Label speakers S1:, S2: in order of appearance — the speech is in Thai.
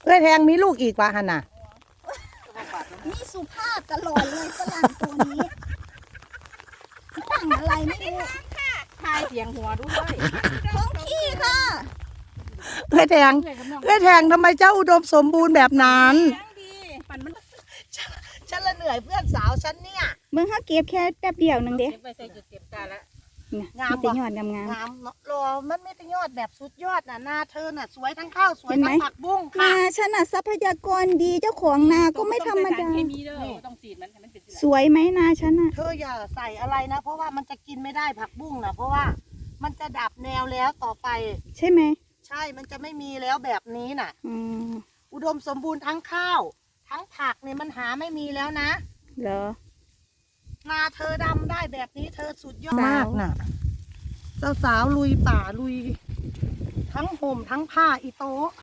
S1: เอ้ยแทงมีลูกอีกวะฮันน่ะ
S2: นี่สุภาพตลอดเลยฝรั่งตัวนี้ฝรั่งอะไรไม่รู้
S3: ทายเสียงหัวด้วย
S2: ท้องขี้ค่ะ
S1: เอ้ยแทงทำไมเจ้าอุดมสมบูรณ์แบบนั้น
S3: ดีปั่นมัน
S1: ฉันละเหนื่อยเพื่อนสาวฉันเนี่ย
S2: เมื่อเขาเก็บแค่แป๊บเดียวนึงเด้
S3: เก็บไปใส่จุดเก็บตาละ
S1: งาม
S2: มี
S1: บ่
S2: แต่ยอดงาม
S1: งามเนาะรอมันไม่ได้ยอดแบบสุดยอดน่ะนาเธอน่ะสวยทั้งข้าวสวยทั้งผักบุ้ง
S2: ๆ
S1: ค่ะ
S2: นาฉันน่ะทรัพยากรดีเจ้าของนาก็ไม่ธรรมดา
S3: เคมีเด้อต้องสีดมันให้มันเป็น
S2: สวยไหมนาฉันน่ะ
S1: เธออย่าใส่อะไรนะ เพราะว่ามันจะกินไม่ได้ผักบุ้งนะเพราะว่ามันจะดับแนวแล้วต่อไป
S2: ใช่ไหม
S1: ใช่มันจะไม่มีแล้วแบบนี้น่ะ
S2: อืม
S1: อุดมสมบูรณ์ทั้งข้าว ทั้งผักเนี่ยมันหาไม่มีแล้วนะ
S2: เหรอ
S1: นาเธอดำได้แบบนี้เธอสุดยอด
S2: สาว
S1: มากน่ะสาวๆลุยป่าลุย ทั้งห่มทั้งผ้าอีโต๊ะ